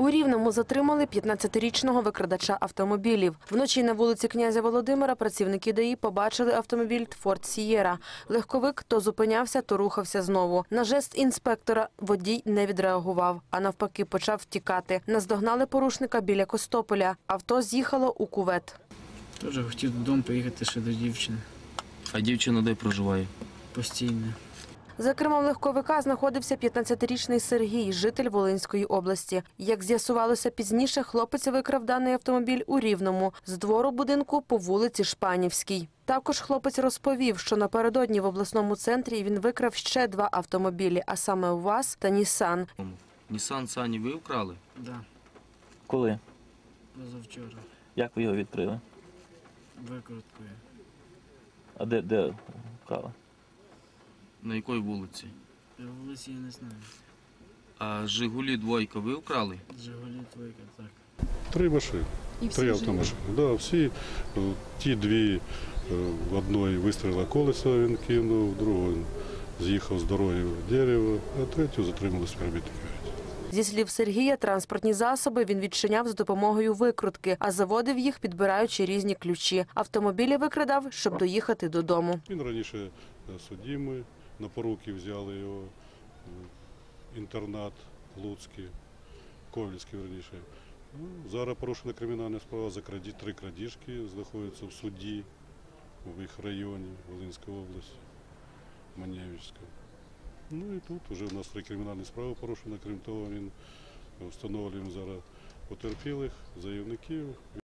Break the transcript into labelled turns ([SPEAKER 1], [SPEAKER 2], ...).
[SPEAKER 1] У Рівному затримали 15-річного викрадача автомобілів. Вночі на вулиці князя Володимира працівники ДАІ побачили автомобіль «Форд Сієра». Легковик то зупинявся, то рухався знову. На жест інспектора водій не відреагував, а навпаки почав втікати. Наздогнали порушника біля Костополя. Авто з'їхало у кювет.
[SPEAKER 2] Теж хотів додому поїхати ще до дівчини.
[SPEAKER 3] А дівчина де проживає?
[SPEAKER 2] Постійно.
[SPEAKER 1] За кермом легковика знаходився 15-річний Сергій, житель Волинської області. Як з'ясувалося пізніше, хлопець викрав даний автомобіль у Рівному з двору будинку по вулиці Шпанівській. Також хлопець розповів, що напередодні в обласному центрі він викрав ще 2 автомобілі, а саме УАЗ та Нісан.
[SPEAKER 3] Нісан Сані ви вкрали?
[SPEAKER 2] Так, да,
[SPEAKER 4] Коли?
[SPEAKER 2] позавчора.
[SPEAKER 4] Як ви його відкрили?
[SPEAKER 2] Викруткою.
[SPEAKER 4] А де вкрали?
[SPEAKER 3] На якій вулиці?
[SPEAKER 2] Вулиці я не знаю.
[SPEAKER 3] А Жигулі двойка ви вкрали?
[SPEAKER 2] Жигулі твойка, так.
[SPEAKER 5] 3 машини, 3 автомашини. Да, всі, ті 2, в одної вистрілила колесо, він кинув, в другу з'їхав з дороги в дерево, а третю затримали співробітники.
[SPEAKER 1] Зі слів Сергія, транспортні засоби він відчиняв з допомогою викрутки, а заводив їх, підбираючи різні ключі. Автомобілі викрадав, щоб доїхати додому.
[SPEAKER 5] Він раніше судимий, на поруки взяли його в інтернат Луцький, Ковельський раніше. Зараз порушена кримінальна справа за 3 крадіжки, знаходяться в суді в їх районі Волинської області, Маневичська. Ну і тут вже в нас 3 кримінальні справи порушені, крім того, він встановлюємо зараз потерпілих, заявників.